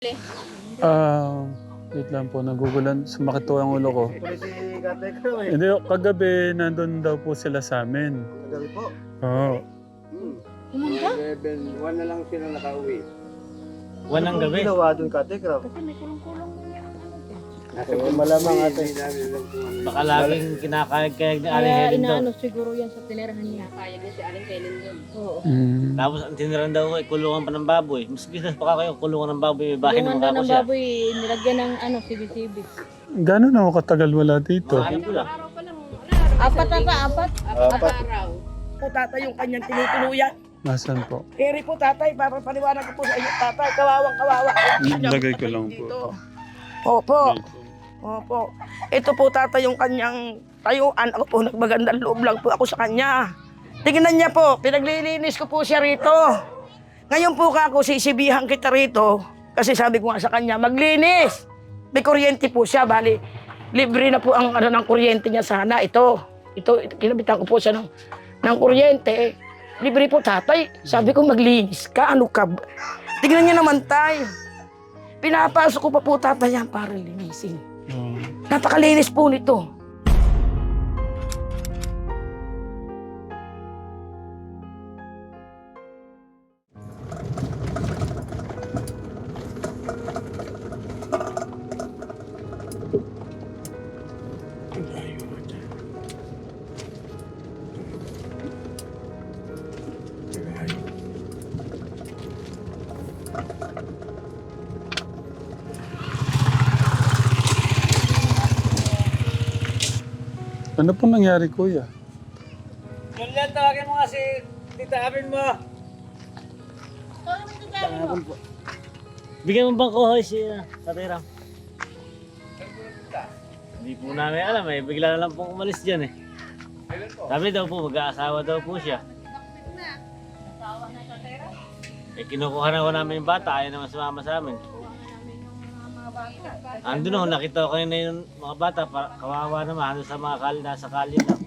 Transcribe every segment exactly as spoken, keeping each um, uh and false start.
Ah, wait lang po, nagugulan. Sumakit po ang ulo ko. Tuloy si Kate Crow eh. Hindi, kagabi nandun daw po sila sa amin. Kagabi po. Oo. Hmm. Pumunta? eleven, one na lang sila nakauwi. One ng gabi. Ginawa doon Kate Crow. Kasi may kulong-kulong niya. Nasa malamang ate. Baka laging kinakayag-kayag ni Aling Kaya Helen daw. inaano siguro yan sa tinirahan niya. Kaya din si Aling Helen doon. Oo. Mm. Tapos ang tiniran daw ko ay kulungan pa ng baboy. Mas business pa kayo, kulungan ng baboy. May bahay Tulungan naman daw ako ng siya. baboy, nilagyan ng ano, sibi-sibi. Gano'n ako katagal wala dito? Mga alam ko lang. Araw pa lang. Ano, Apat ata, apat. Apat Apat. araw. po tatay yung kanyang tinutuluyan. Nasaan po? Keri po tatay, papapaliwanag ko po sa inyo tatay, kawawang kawawa. Lagay ko lang po. Opo, opo. Ito po tatay yung kanyang tayuan. Ako po, nagmagandang loob lang po ako sa kanya. Tingnan niya po, pinaglilinis ko po siya rito. Ngayon po ka ako, sisibihan kita rito. Kasi sabi ko nga sa kanya, maglinis. May kuryente po siya, bali. Libre na po ang ano ng kuryente niya sana. Ito, ito, kinabitan ko po siya ng, ng kuryente. Libre po tatay. Sabi ko maglinis ka, ano ka? ba? Tignan niya naman tayo. Pinapasok ko pa po tatay yan para linisin. Oh. Napakalinis po nito. Ano po nangyari, kuya? Julian, tawagin mo nga si Tita Abin mo. Bigyan mo bang kuhoy si uh, Tatay Ram? Hindi po namin alam eh. Bigla na lang pong umalis dyan eh. Sabi daw po, mag-aasawa daw po siya. Eh, kinukuha na ko namin yung bata. Ayaw naman sumama sa amin. Andun ako, nakita ko na yung mga bata. Para, kawawa naman. Andun sa mga kali, nasa kali lang.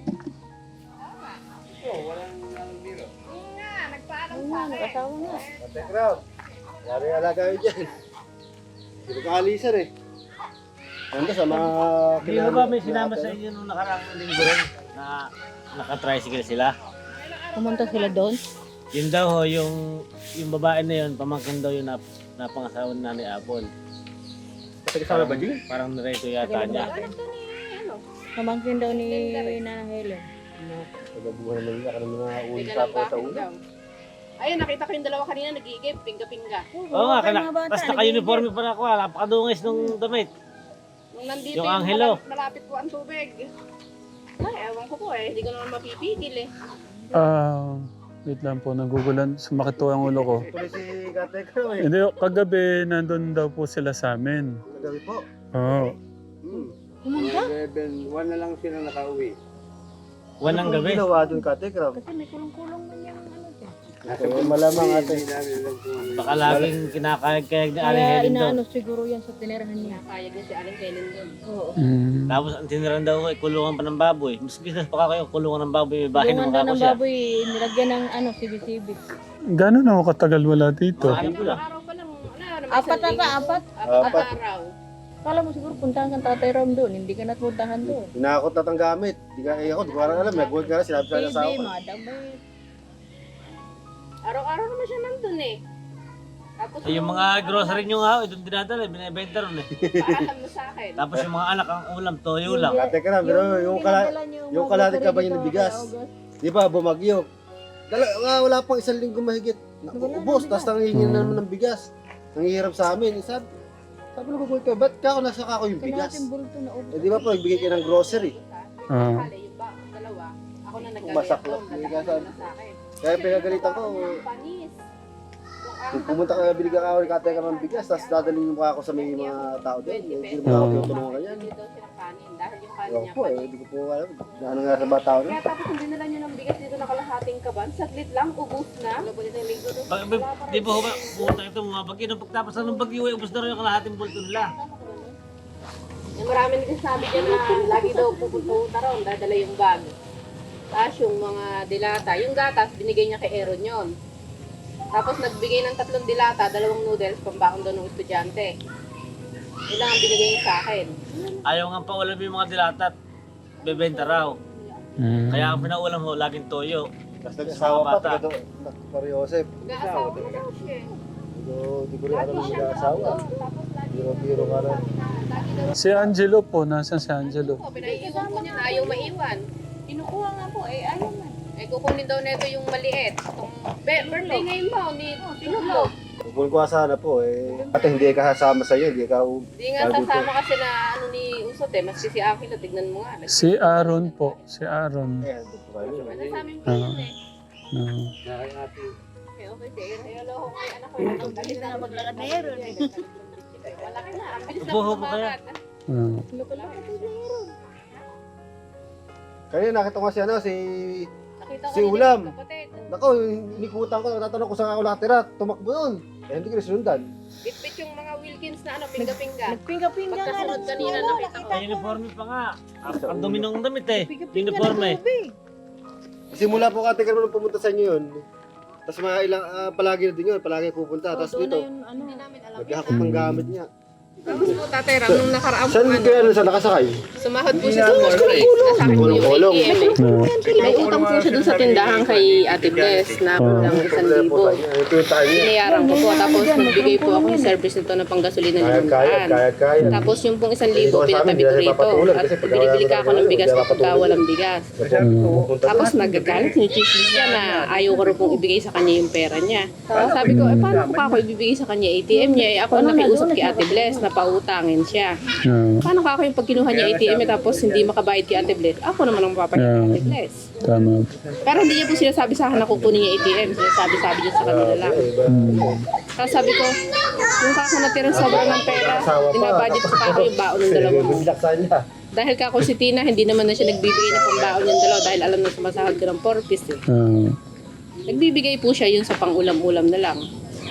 Ayun na, nag-asawa na. Kate Crow. Yari alaga yun dyan. Hindi ko kaalisan eh. Nanda sa mga Hindi mo ba may sinama sa inyo nung nakaraang linggo rin na naka-tricycle sila? Pumunta sila doon. Yun daw ho, yung, yung babae na yun, pamangkin daw yun na, na pangasawa ni Nanay Apple. Kasama ba dyan? Parang narito yata niya. Pamangkin daw ni Nana Helen. Nagabuhan naman niya. Karang mga May ulit sa dalang po sa bakit ulo. daw. Ayun, nakita ko yung dalawa kanina nag-iigib, pinga-pinga. Oo nga, kana, tapos naka-uniforme pa na ako, ah, napakadungis nung damit. Nung nandito Yung yung, anghelo. malapit, malapit po ang tubig. Ay, ewan ko po eh. Hindi ko naman mapipigil eh. Ah, wait lang po, nagugulan. Sumakit po ang ulo ko. Tuloy si Kate Crow eh. Hindi, kagabi nandun daw po sila sa amin. Kagabi po. Oo. Hmm. Pumunta? eleven, one na lang sila nakauwi. One ng gabi. Ginawa doon Kate Crow. Kasi may kulong-kulong niya. Ano dyan. Nasa malamang ate. Baka laging kinakayag-kayag ni Aling Kaya Helen daw. inaano siguro yan sa tinirahan niya. Kaya din si Aling Helen doon. Oo. Mm. Tapos ang tiniran daw ko ay kulungan pa ng baboy. Mas business pa kayo, kulungan ng baboy. May bahay Tulungan naman daw ako ng siya. baboy, nilagyan ng ano, sibi-sibi. Gano'n ako katagal wala dito? Mga alam ko lang. Araw pa lang. Ano, Apat ata, apat. Apat, Apat. araw. Kala mo siguro puntahan kang Tatay Ram doon, hindi ka napuntahan doon. Hinakot na tang gamit. Di ka, eh ako, di ko parang alam. Nag-work ka na, sinabi sa Baby, asawa ko. madam, may... Araw-araw naman siya nandun eh. Tapos Ay, yung mga grocery nyo nga, ito dinadala, binibenta ron eh. paalam mo sa akin. Tapos yung mga anak, ang ulam, toyo lang. Kate Crow, pero yung, kala, pinadala niyo yung mga kalahati ka ba grocery yung dito bigas? kay August. Di ba, bumagyo. Dala, nga, wala pang isang linggo mahigit. Wala Ubus, na tapos nangihingi na naman ng bigas. Nanghihirap sa amin. Eh, sabi, sabi na ko, ba't ka ako nasa kako yung bigas? Kalahating bulto na ubos. Eh, di ba po, nagbigay kayo ng grocery. Ah. Kala yung ba, dalawa. Ako na nagkaya Umasak doon. lang. Nagkaya na sa akin. Kaya pinagalitan ko, Panis. kung pumunta ka, binigyan ka ako ni Kate ka ng bigas, tapos dadalhin mo ako sa may mga tao doon. Hindi mo ako tinutulungan ka yan. Hindi daw siya ng kanin dahil yung kanin Ewan niya po eh, panis. hindi ko po alam. Ano nga sa mga tao na? Kaya tapos hindi nila nyo ng bigas dito nakalahating kaban. Saglit lang, ubus na. Labulit ng linggo doon. Ba- ba- Di ba ho ba, pumunta ito mga bagyo. Nung pagtapos na ng bagyo, eh, ubos na rin yung kalahating bulto nila. Yung marami nagsasabi dyan na lagi daw pupunta ron, dadala yung bag. Tapos yung mga dilata, yung gatas, binigay niya kay Aaron yun. Tapos nagbigay ng tatlong dilata, dalawang noodles, pambaon doon ng estudyante. Yun lang ang binigay niya sa akin. Ayaw nga pa ulam yung mga dilatat. Bebenta raw. Mm. Kaya ang pinaulam ho, laging toyo. Tapos nag-asawa pa, Bata. taga doon. Pare Joseph. Nag-aasawa na daw siya. Hindi ko rin alam yung nag-asawa. Tapos lagi Biro-biro ka rin. lagi daw Si Angelo po, nasan si Angelo? po, pinaiiwan po niya na ayaw maiwan. Kinukuha nga po, eh ayaw man. Eh, kukunin daw nito yung maliit. Itong be- birthday ngayon mo, ni Tinuglo. Kung ko sana po eh. At hindi ka kasama sa iyo, hindi ka Hindi nga sasama kasi na ano ni Usot eh. Maski si Akilo, tignan mo nga. Si Aaron po, si Aaron. eh, ando po kayo. Ano sa amin po yun eh. No. Okay, okay, sige. Hello, ko kay anak ko. Ang galing na maglakad na yun. Malaki na. Ang bilis na Upo, upo kaya. kumakat. Ah. Kaya nakita ko si ano, si... Nakita ko Si yun, Ulam. kapatid. Nako, nikutan ko, natatanong ko saan ako nakatira, tumakbo yun. Eh, hindi ko nasundan. Bitbit yung mga Wilkins na ano, pingga-pingga. Nagpinga-pinga nga. Pagkasunod kanina, nakita ko. May uniforme pa nga. Ang dumi ng damit eh. Uniforme. Simula po kate ka naman pumunta sa inyo yun. Tapos mga ilang, ah, palagi na din yun, palagi pupunta. Tapos dito, Hindi namin alam. naghahakot ng gamit niya. Tapos po, Tatay Ram, nung nakaraang po, Saan ano, kaya sa nakasakay? sumahod po siya sa grocery. Nasa akin po yung Kulong-kulong. A T M eh. No. May utang po siya dun sa tindahan kay Ate Bless na kulang isang libo. Ito yung tayo niya. Binayaran ko po. Tapos nagbigay po ako ng service nito ng panggasolina ng Kaya, kaya, limandaan. kaya, kaya. Tapos yung pong isang libo, Dito ka sa amin, pinatabi ko hindi na rito. papatulan At kasi pag binibili ka ako ng bigas hindi na kapag papatulan. walang bigas. Tapos nagagalit, sinichismis niya na ayaw ko rin pong ibigay sa kanya yung pera niya. Tapos sabi ko, eh paano ko pa ako ibibigay sa kanya A T M niya? Eh ako ang nakiusap kay Ate Bless na pautangin siya. No. Paano ka ako yung pag kinuha niya A T M niya tapos hindi makabayad kay Ate Bless? Ako naman ang papalit kay Ate Bless. Tama. Pero hindi niya po sinasabi sa akin na kukunin niya A T M. Sinasabi-sabi niya sa kanila lang. Tapos sabi ko, yung kako natirang sobra ng pera, dinabudget ko pa ako yung baon ng dalawa mo. Bilaksan niya. Dahil kako si Tina, hindi naman na siya nagbibigay ng pambaon yung dalawa dahil alam na sumasahod ko ng four piece eh. Ah. Nagbibigay po siya yun sa pang-ulam-ulam na lang.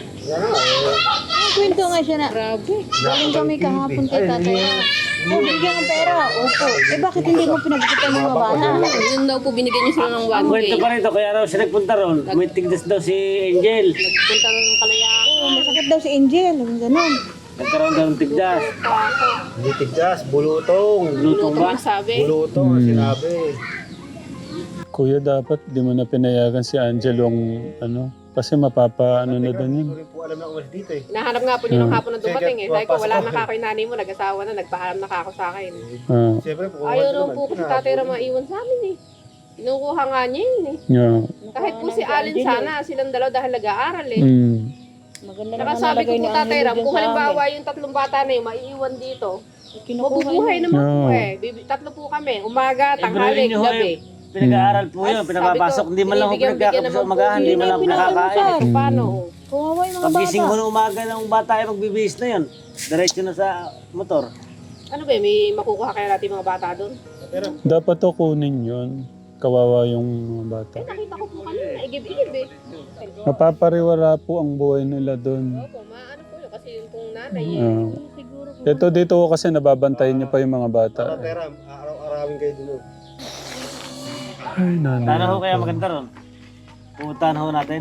Kwento nga siya na. Grabe. Galing kami kahapon kay tatay. Oh, bigyan ng pera. Opo. Eh bakit hindi mo pinagkitan ng mga bata? Yun daw po binigyan niya sila ng one Ang K. kwento pa rito, kaya raw siya nagpunta ron. May tigdas daw si Angel. Nagpunta ng kalayaan. Oo, masakit daw si Angel. Ganun. Nagkaroon daw ng tigdas. Hindi tigdas, bulutong. Lutong ba? Lutong ang sabi. Bulutong, ang sinabi. Kuya, dapat di mo na pinayagan si Angelong ano, kasi mapapa ano na doon yun. Hindi ko rin po alam na umalis dito eh. Nahanap nga po niya nung hapon na dumating eh. Sabi ko, wala na kako yung nanay mo, nag-asawa na, nagpaalam na kako sa akin. Ah. Siyempre po, Ayaw naman po kasi tatay na maiwan sa amin eh. Kinukuha nga niya yun eh. Yeah. Kahit po si Alin sana, silang dalaw dahil nag-aaral eh. Mm. Maganda Saka naman sabi ko nalagay po ni tatay Angelo Ram, dyan kung sa halimbawa amin. yung tatlong bata na yun, maiiwan dito. Kinukuha Mabubuhay niya. naman po No. eh. Bibi- Tatlo po kami, umaga, Eh, tanghali, bro, yun gabi. Pinag-aaral po yun, Ay, pinapapasok. sabi ko, Hindi man lang ako binibigyan- pinagkakapos bigyan sa naman umagahan, po. hindi man lang ako nakakain. So, paano? Kawawa yung mga Pagising bata. mo ng umaga ng bata ay magbibihis na yun. Diretso na sa motor. Ano ba, may makukuha kaya natin mga bata doon? Dapat to kunin yun. Kawawa yung mga bata. Eh, nakita ko po kanina, igib-igib eh. Mapapariwara po ang buhay nila doon. Opo, maano po yun, kasi yung pong nanay eh. Ah. Siguro po. Ito dito ko kasi nababantayan niyo pa yung mga bata. Pera, araw-arawin kayo dun. Ay, nanay. Sana ho kaya maganda ron. Pupuntahan ho natin.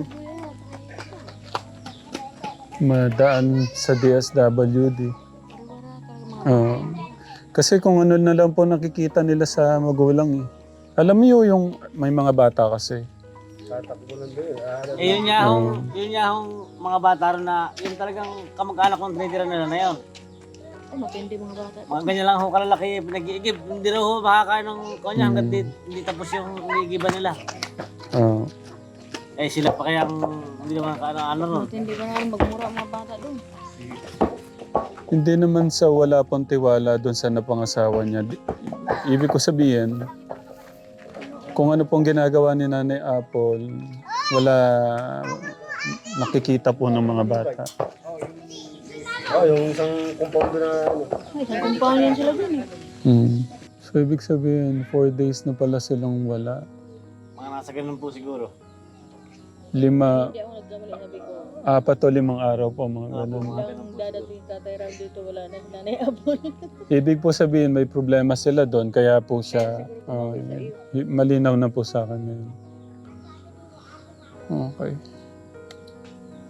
Madaan sa D S W D. Oo. Kasi kung ano na lang po nakikita nila sa magulang eh. Alam niyo yung may mga bata kasi. Tatakbo lang doon. Ah, Eh yun nga hong, yun nga hong mga bata ron na, yun talagang kamag-anak kong tinitira nila na yun. Oh, matindi mga bata. Mga ganyan lang ho kalalaki, pinag-iigib. Hindi rin ho makakain ng kanya hanggang di, hindi tapos yung iniigiban nila. Oo. Eh sila pa kaya hindi naman ka ano, ano ron. Matindi ba nga rin magmura ang mga bata doon? Hindi naman sa wala pong tiwala doon sa napangasawa niya. Di- Ibig ko sabihin, kung ano pong ginagawa ni Nanay Apple, wala nakikita po ng mga bata. Oh, yung isang compound na ano. Ay, isang kumpanya sila doon eh. Mm. So ibig sabihin, four days na pala silang wala. Mga nasa ganun po siguro. Lima, Hindi ako nagkamali, sabi ko. apat o limang araw po mga ganun. Ang dadating tatay Ram dito, wala na nanay Apple. Ibig po sabihin, may problema sila doon, kaya po siya, oh, y- malinaw na po sa akin ngayon. Okay.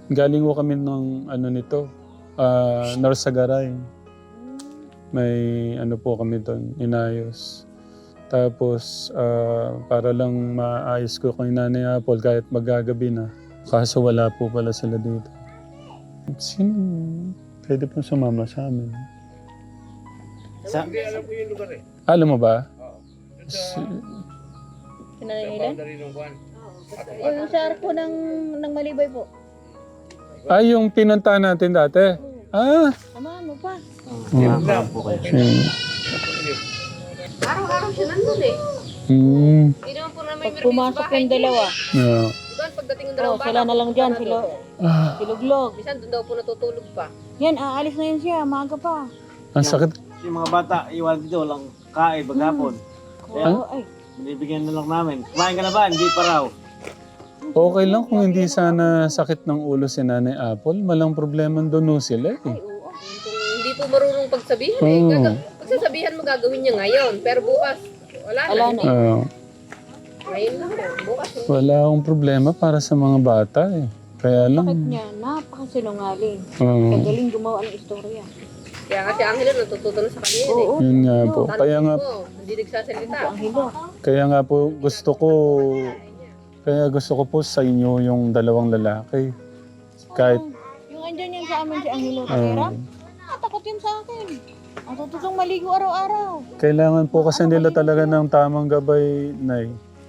Galing ko kami ng ano nito, ah Narsagaray. May ano po kami doon, inayos. Tapos ah, para lang maayos ko kay Nanay Apple kahit magagabi na. Kaso wala po pala sila dito. Sino pwede pong sumama sa amin? Sa, Alam mo ba? Si, Sinanay nila? Yung sa arko ng, ng Malibay po. ah, yung pinunta natin dati. Ah! Samahan mo pa. Hmm. po kayo. Hmm. Araw-araw siya nandun eh. Hmm. Hindi naman po na may Pag pumasok yung dalawa, Yeah. Doon, pagdating ng oh, dalawang sila na lang dyan, sila, Ah, siluglog. Minsan doon daw po natutulog pa. Yan, aalis na yun siya, maaga pa. ang sakit. Yung mga bata, iwan dito, walang kain, maghapon. Oo, ay. Binibigyan na lang namin. Kumain ka na ba? Hindi pa raw. Okay lang kung hindi sana sakit ng ulo si Nanay Apple. Malang problema doon sila eh. Kung hindi po marunong pagsabihan eh. Oo. Gaga- pagsasabihan mo gagawin niya ngayon. Pero bukas, wala na. Wala na. Hindi. Ah, Ngayon lang po. Bukas. wala akong problema para sa mga bata eh. Kaya Bakit lang. niya? Napakasinungaling. ah, Kagaling gumawa ng istorya. Kaya kasi Angelo natututo na sa kanya yun eh. Oo, yun nga po. Kaya nga, Tanong mo, hindi nagsasalita. ang hilo. kaya nga po gusto ko, kaya gusto ko po sa inyo yung dalawang lalaki. Kahit, Yung andyan yan sa amin si Angelo ah, Tageram, natakot yun sa akin. Ang tututong maligo araw-araw. kailangan po kasi nila talaga ng tamang gabay, Nay.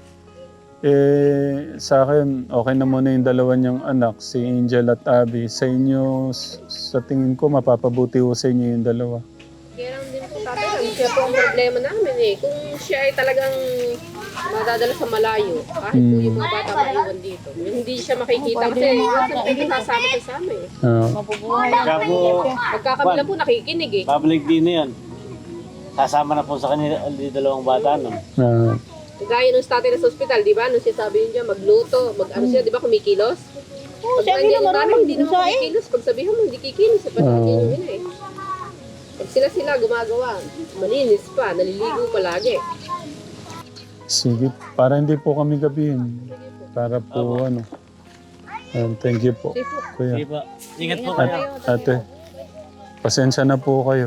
Eh, sa akin, okay na muna yung dalawa niyang anak, si Angel at Abby. Sa inyo, s- sa tingin ko, mapapabuti ko sa inyo yung dalawa. Kaya lang din po tatay, ang siya po ang problema namin eh. Kung siya ay talagang madadala sa malayo, kahit po yung mga bata maiwan dito. Yung hindi siya makikita kasi hindi kasama sa sama eh. Ah, Mapubuhay lang. Kaya po, Magkakabila po nakikinig eh. babalik din na yan. Sasama na po sa kanila ang dalawang bata nun. ah, Gaya nung tatay na sa ospital, di ba? Nung siya sabi niya, magluto, mag ano siya, di ba, kumikilos? Oo, Pag si nandiyan Angelo yung nanay, marunong hindi naman magsaing. kumikilos. Pag sabihan mo, hindi kikilos. Sa nandiyan yung ina eh. Pag sila-sila gumagawa, malinis pa, naliligo palagi. sige, para hindi po kami gabihin. Para po ano. Um, thank you po, Sige po. Kuya. Sige po. Ingat po At, kayo. ate, pasensya na po kayo.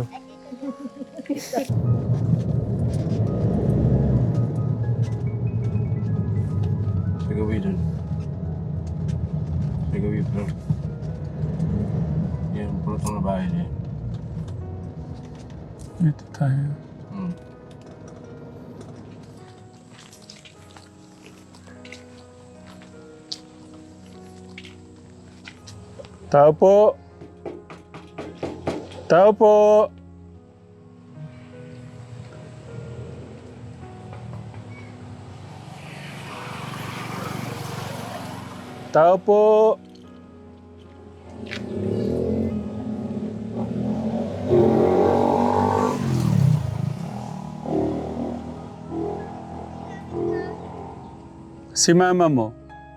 Sa gabi doon. Sa gabi bro. Yan, pulot ng bahay niya. Ito tayo. Hmm. Tao po. Tao po. Tao po. Si mama mo.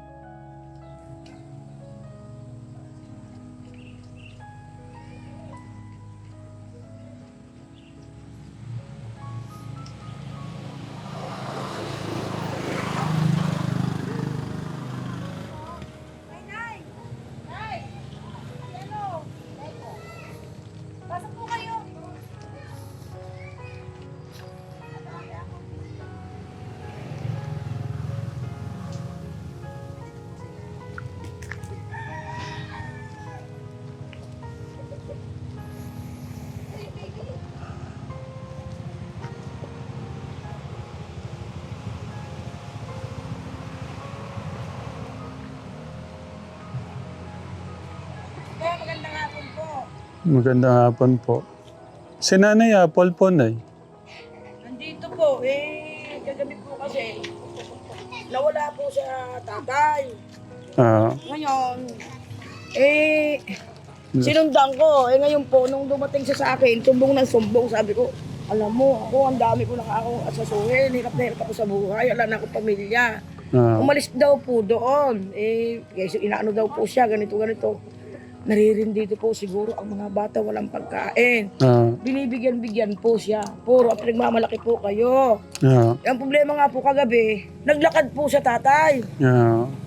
Magandang hapon po. Si Nanay Apple po, Nay. Nandito po, eh, kagabi po kasi, nawala po sa tatay. Ah, Ngayon, eh, sinundan ko. Eh ngayon po, nung dumating siya sa akin, sumbong ng sumbong, sabi ko, alam mo, ako, ang dami ko na akong asasuhin, hirap na hirap ako sa buhay, wala na akong pamilya. ah, Umalis daw po doon. Eh, kasi inaano daw po siya, ganito, ganito. Naririndi po siguro ang mga bata walang pagkain. ah, Binibigyan-bigyan po siya. Puro ang pinagmamalaki po kayo. ah, Ang problema nga po kagabi, naglakad po sa tatay. ah.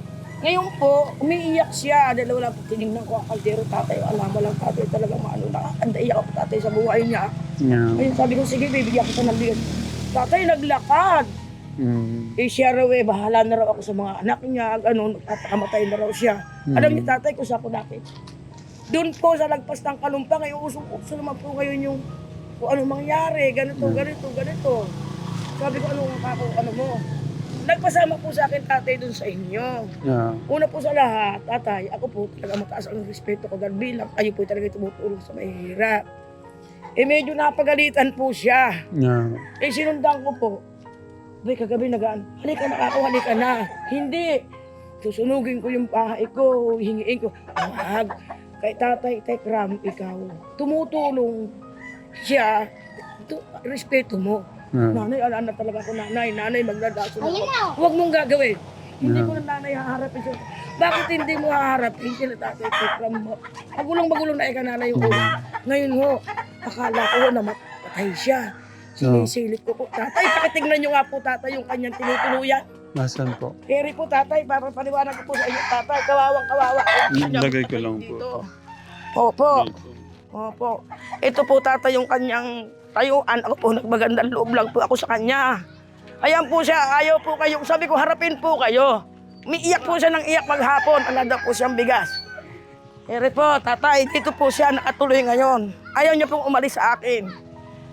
Ngayon po, umiiyak siya. Dahil wala po tinignan ko ang kaldero, tatay. Alam mo lang, tatay talaga maano na. Anda iyak ako tatay sa buhay niya. Yeah. Ngayon sabi ko, sige, bibigyan kita ng bigas. Tatay, naglakad. Mm. Eh siya raw eh, bahala na raw ako sa mga anak niya. Ano, nagpapakamatay na raw siya. Mm. Alam niyo tatay, kung saan po natin. Doon po sa lagpas ng Kalumpang, ngayon usong-uso naman po ngayon yung kung ano mangyari, ganito, ganito, ganito. Sabi ko, ano ako, ano mo? Nagpasama po sa akin tatay doon sa inyo. Yeah. Una po sa lahat, tatay, ako po talaga mataas ang respeto ko dahil bilang kayo po talaga tumutulong sa mahihirap. Eh medyo napagalitan po siya. Yeah. Eh sinundan ko po. Bay, kagabi nagaan, halika na ako, halika na. Hindi. Susunugin ko yung bahay ko, hingiin ko. Wag. Kay tatay, Tekram, ikaw, tumutulong siya. Tu- respeto mo. Yeah. Nanay, alam na talaga ako, nanay. Nanay, magdadaso na ako. Huwag mong gagawin. Hindi Yeah. ko na nanay haharapin siya. Bakit hindi mo haharapin sila tatay, Tekram mo? Magulong-magulong na ika nanay yung ulo. Ngayon ho, akala ko na matay siya. Sinisilip ko po. Tatay, pakitignan nyo nga po tatay yung kanyang tinutuluyan. Nasaan po? Keri po tatay, para paniwanag ko po sa inyo tatay. Kawawang kawawa. Lagay ko lang po. Dito. Opo. Opo. Ito po tatay yung kanyang tayuan. Ako po nagmagandang loob lang po ako sa kanya. Ayan po siya, ayaw po kayo. Sabi ko, harapin po kayo. Umiiyak po siya ng iyak maghapon. Ala daw po siyang bigas. Keri po, tatay, dito po siya nakatuloy ngayon. Ayaw niya pong umalis sa akin.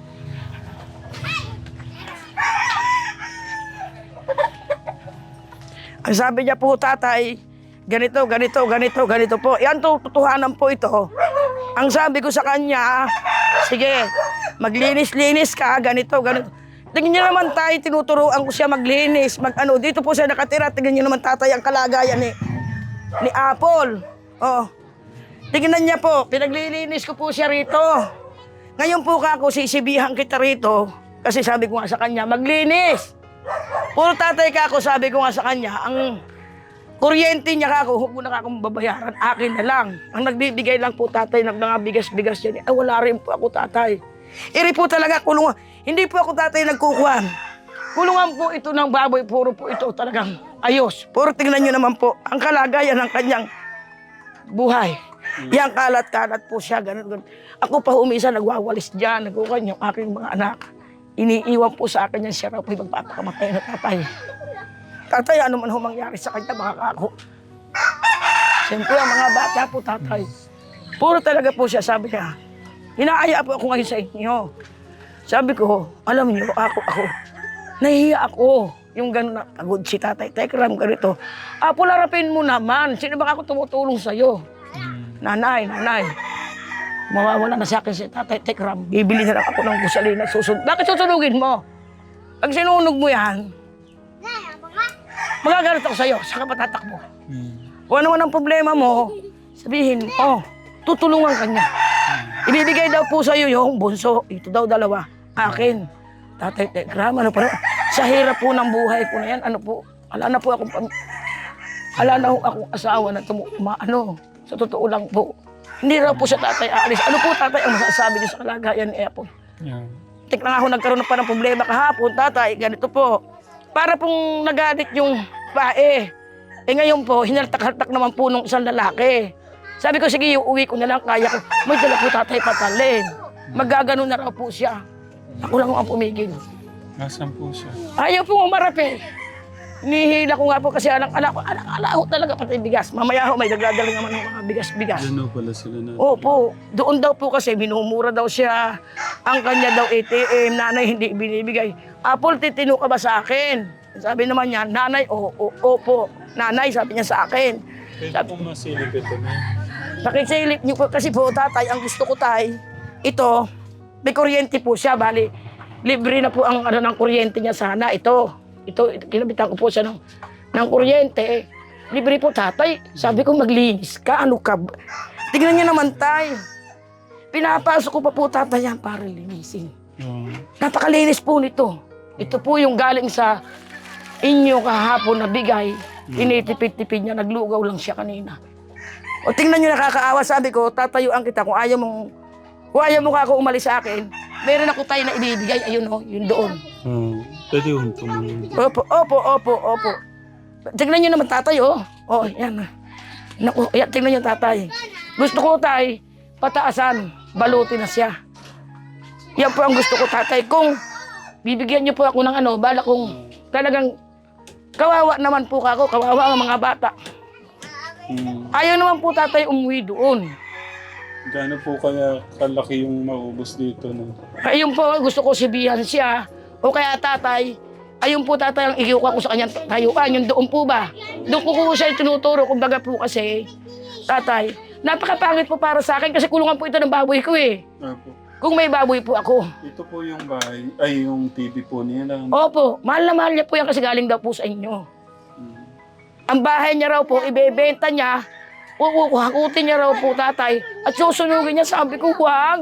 Ang sabi niya po, tatay, ganito, ganito, ganito, ganito po. Yan to, totohanan po ito. Ang sabi ko sa kanya, sige, maglinis-linis ka, ganito, ganito. Tingnan niyo naman tayo, tinuturuan ko siya maglinis, mag ano, dito po siya nakatira. Tingnan niyo naman tatay ang kalagayan ni, ni Apple. Oh. Tingnan niya po, pinaglilinis ko po siya rito. Ngayon po ka ako, sisibihan kita rito, kasi sabi ko nga sa kanya, maglinis. Puro tatay ka ako, sabi ko nga sa kanya, ang kuryente niya ka ako, huwag mo na ka akong babayaran, akin na lang. Ang nagbibigay lang po tatay ng mga bigas-bigas yan, ay wala rin po ako tatay. Iri po talaga kulungan, hindi po ako tatay nagkukuhan. Kulungan po ito ng baboy, puro po ito talagang ayos. Puro tingnan nyo naman po, ang kalagayan ng kanyang buhay. Yang kalat-kalat po siya, ganun, ganun. Ako pa umisa, nagwawalis dyan, nagkukuhan yung aking mga anak. Iniiwan po sa akin yan siya raw po yung magpapakamatay na tatay. Tatay, ano man ho mangyari sa kanya, baka ako. Siyempre, ang mga bata po, tatay. Puro talaga po siya, sabi niya. Inaaya po ako ngayon sa inyo. Sabi ko, alam niyo, ako, ako. Nahihiya ako. Yung gano'n na, pagod si tatay, Tekram, ganito. Apo, larapin mo naman. Sino ba ako tumutulong sa'yo? Nanay, nanay. Mawawala na sa akin si tatay Tekram. Bibili na lang ako ng gusalina. Susunod. Bakit susunugin mo? Pag sinunog mo yan, magagalit ako sa'yo. Saka patatakbo. Kung ano man ang problema mo, sabihin mo, oh, tutulungan ka niya. Ibibigay daw po sa'yo yung bunso. Ito daw dalawa. Akin. Tatay Tekram, ano pa? Sa hirap po ng buhay ko na yan, ano po, ala na po akong, ala na po akong asawa na tumu, ma, ano, sa totoo lang po. Hindi raw po siya tatay aalis. Ano po tatay ang masasabi niyo sa kalagayan ni Apple? Yeah. Tik na nga ako nagkaroon pa ng problema kahapon, tatay, ganito po. Para pong nagalit yung pae. Eh ngayon po, hinaltak-haltak naman po nung isang lalaki. Sabi ko, sige, uwi ko na lang, kaya ko. May dala po tatay patalin. Magagano na raw po siya. Ako lang ang pumigil. Nasaan po siya? Ayaw po umarap eh. Nihila ko nga po kasi alang-ala ko. Alang-ala ko talaga pati bigas. Mamaya ho, may nagdadala naman ng mga bigas-bigas. Ano pala sila na? Opo, doon daw po kasi minumura daw siya. Ang kanya daw A T M, nanay hindi binibigay. Apple, titino ka ba sa akin? Sabi naman niya, nanay, o, o, opo. Nanay, sabi niya sa akin. Pwede pong masilip ito na. Pakisilip niyo po kasi po, tatay, ang gusto ko tay, ito, may kuryente po siya, bali, libre na po ang ano ng kuryente niya sana. Ito, ito, kinabitan ko po siya ng, ng kuryente. Libre po tatay. Sabi ko, maglinis ka, ano ka? Tignan niyo naman tay. Pinapasok ko pa po tatay yan para linisin. Oh. Napakalinis po nito. Ito po yung galing sa inyo kahapon na bigay. Tinitipid-tipid niya, naglugaw lang siya kanina. O tingnan niyo, nakakaawa, sabi ko, tatayuan kita kung ayaw mong, kung ayaw mo ka ako umalis sa akin, meron ako tayo na ibibigay, ayun o, yun doon. Oh. Pwede yung tumulong. Opo, opo, opo, opo. Tignan nyo naman tatay, oh. Oh, yan. Naku, yan, tignan nyo tatay. Gusto ko, tay, pataasan. Balutin na siya. Yan po ang gusto ko, tatay. Kung bibigyan nyo po ako ng ano, bala kung talagang kawawa naman po ako, kawawa ang mga bata. Hmm. Ayaw naman po tatay umuwi doon. Gaano po kaya kalaki yung maubos dito? No? Ayun po, gusto ko sibihan siya. O kaya tatay, ayun po tatay ang ikiuka ko sa kanyang tayuan. Yung doon po ba? Doon ko po siya tinuturo. Kumbaga po kasi, tatay, napakapangit po para sa akin kasi kulungan po ito ng baboy ko eh. Apo. Kung may baboy po ako. Ito po yung bahay, ay yung T V po niya lang. Opo, mahal na mahal niya po yan kasi galing daw po sa inyo. Hmm. Ang bahay niya raw po, ibebenta niya, hakutin niya raw po tatay, at susunugin niya, sabi ko, wag.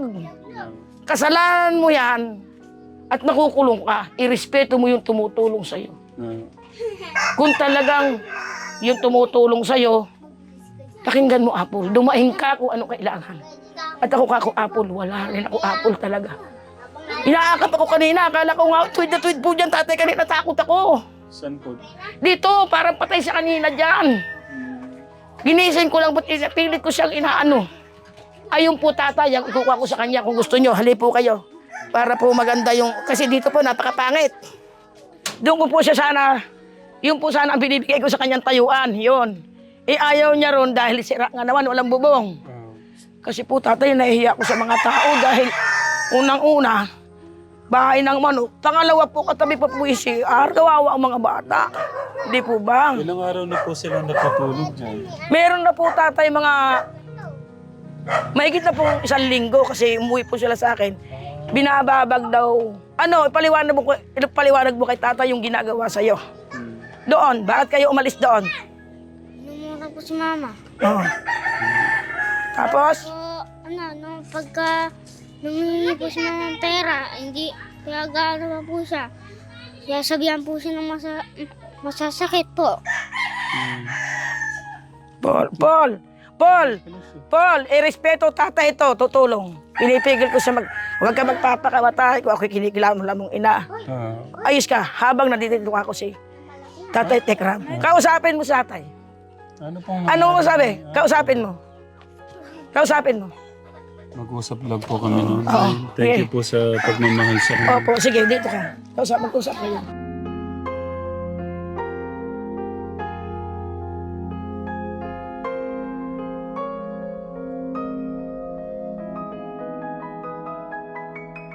Kasalanan mo yan, at nakukulong ka, irespeto mo yung tumutulong sa'yo. Ah. Kung talagang yung tumutulong sa'yo, pakinggan mo, Apple, dumaing ka kung ano kailangan. At ako kako, Apple, wala rin ako, Apple talaga. Inaakap ako kanina, akala ko nga, tweet na tweet po dyan, tatay, kanina takot ako. Saan po? Dito, parang patay sa kanina dyan. Ginising ko lang, ba't pilit ko siyang inaano. Ayun po tatay, ang ikukuha ko sa kanya kung gusto nyo, hali po kayo. Para po maganda yung, kasi dito po napakapangit. Doon ko po siya sana, yun po sana ang binibigay ko sa kanyang tayuan, yun. Eh ayaw niya ron dahil sira nga naman, walang bubong. Kasi po tatay, nahihiya ko sa mga tao dahil unang-una, bahay ng manok. Pangalawa po, katabi pa po yung C R, kawawa ang mga bata. Hindi po ba? Ilang araw na po sila nakatulog dyan? Meron na po tatay mga mahigit na po isang linggo kasi umuwi po sila sa akin. Binababag daw. Ano, ipaliwanag mo, ipaliwanag mo kay tatay yung ginagawa sa'yo. Doon, bakit kayo umalis doon? Numura po si mama. Oo. Tapos? So, ano, nung pagka lumingi po si mama ng pera, hindi, kaya gano'n po siya. Kaya sabihan po siya ng masa, masasakit po. Paul, Paul, Paul, Paul, irespeto tatay ito, tutulong. Pinipigil ko siya mag, huwag ka magpapakawatay kung ako'y kinikilaman mo lamang ina. Ah. Ayos ka, habang nandito ako si Tatay Tekram. Kausapin mo sa tatay. Ano pong Ano mo sabi? Kausapin mo. Kausapin mo. Mag-usap lang po kami noon. Oo. Thank you Okay. po sa pagmamahal sa akin. Opo, sige, dito ka. Kausap, mag-usap kayo.